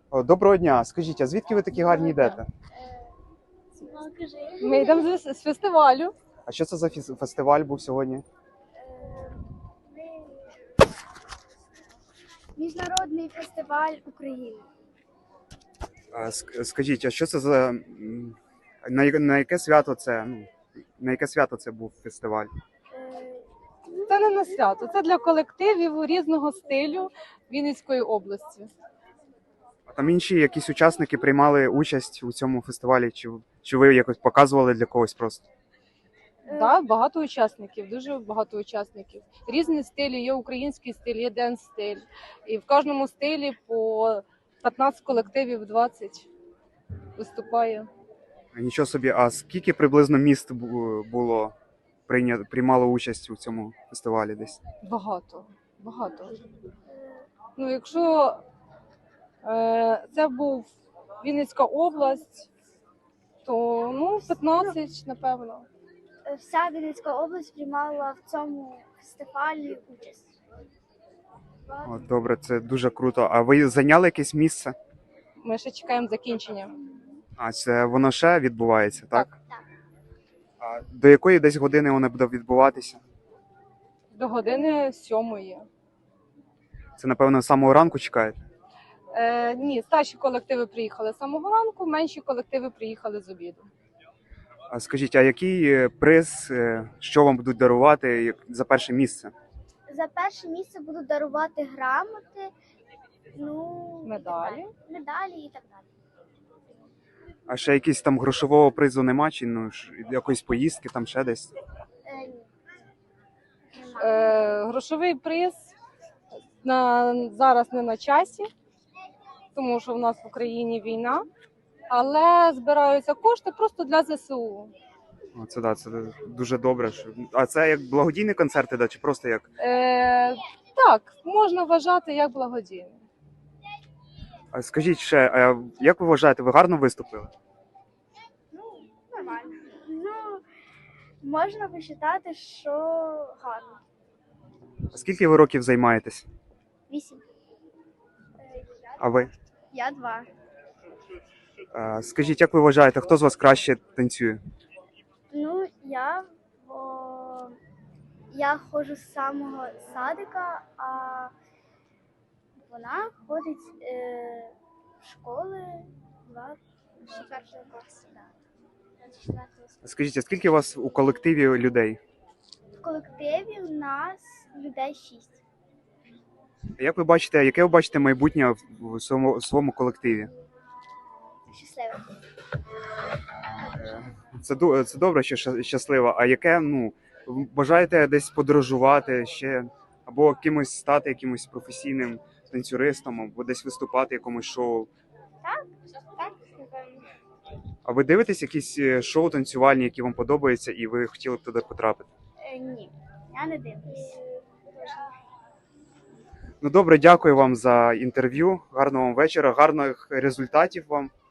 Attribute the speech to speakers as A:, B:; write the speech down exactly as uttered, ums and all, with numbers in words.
A: О, доброго дня. Скажіть, а звідки ви такі гарні йдете?
B: Ми йдемо з, з фестивалю.
A: А що це за фіс- фестиваль був сьогодні?
C: Міжнародний фестиваль України.
A: А, ск- Скажіть, а що це за м, на, я- на яке свято це? Ну, на яке свято це був фестиваль?
C: Е,
B: Це не на свято, це для колективів різного стилю Вінницької області.
A: А там інші якісь учасники приймали участь у цьому фестивалі? Чи, чи ви якось показували для когось просто?
C: е,
B: Да, багато учасників, дуже багато учасників. Різні стилі, є український стиль, є денс стиль. І в кожному стилі по п'ятнадцять колективів, двадцять виступає.
A: Нічого собі, а скільки приблизно міст бу- було прийня... приймало участь у цьому фестивалі десь?
B: Багато, багато. Ну, якщо е, це був Вінницька область, то ну, п'ятнадцять, напевно.
C: Вся Вінницька область приймала в цьому фестивалі участь.
A: О, добре, це дуже круто. А ви зайняли якесь місце?
B: Ми ще чекаємо закінчення.
A: А це воно ще відбувається, так?
B: Так.
C: Так.
A: А до якої десь години воно буде відбуватися?
B: До години сьомої.
A: Це, напевно, з самого ранку чекаєте?
B: Е, ні, старші колективи приїхали з самого ранку, менші колективи приїхали з обіду.
A: А скажіть, а який е, приз, е, що вам будуть дарувати як- за перше місце?
C: За перше місце будуть дарувати грамоти, ну, і так
B: Медалі.
C: далі. Медалі і так далі.
A: А ще якийсь там грошового призу нема, чи ну, ж якоїсь поїздки там ще десь?
C: Е, ні. Нема.
B: Е, грошовий приз на, зараз не на часі, тому що в нас в Україні війна, але збираються кошти просто для зе се у.
A: О, це да, це дуже добре. Що... А це як благодійні концерти, да, чи просто як?
B: Е, так, можна вважати як благодійний.
A: А скажіть ще, а як ви вважаєте, ви гарно виступили?
C: Ну, нормально. Ну, можна вважати, що гарно.
A: А скільки ви років займаєтесь?
C: Вісім.
A: А ви?
C: Я два.
A: А, скажіть, як ви вважаєте, хто з вас краще танцює?
C: Ну, я, бо я ходжу з самого садика, а вона ходить е, в школи два четвертого класу. Да. четвертого класу.
A: Скажіть, а скільки у вас у колективі людей?
C: В колективі у нас людей шість.
A: Як ви бачите, яке ви бачите майбутнє в- в своєму, в своєму колективі?
C: Щасливих.
A: Це, ду- це добре, що ща- щаслива. А яке, ну, ви бажаєте десь подорожувати ще, або кимось стати якимось професійним танцюристом, або десь виступати в якомусь шоу?
C: Так, напевно.
A: А ви дивитесь якісь е, шоу танцювальні, які вам подобаються, і ви хотіли б туди потрапити?
C: Е, ні, я не дивлюсь.
A: Ну добре, дякую вам за інтерв'ю. Гарного вам вечора, гарних результатів вам.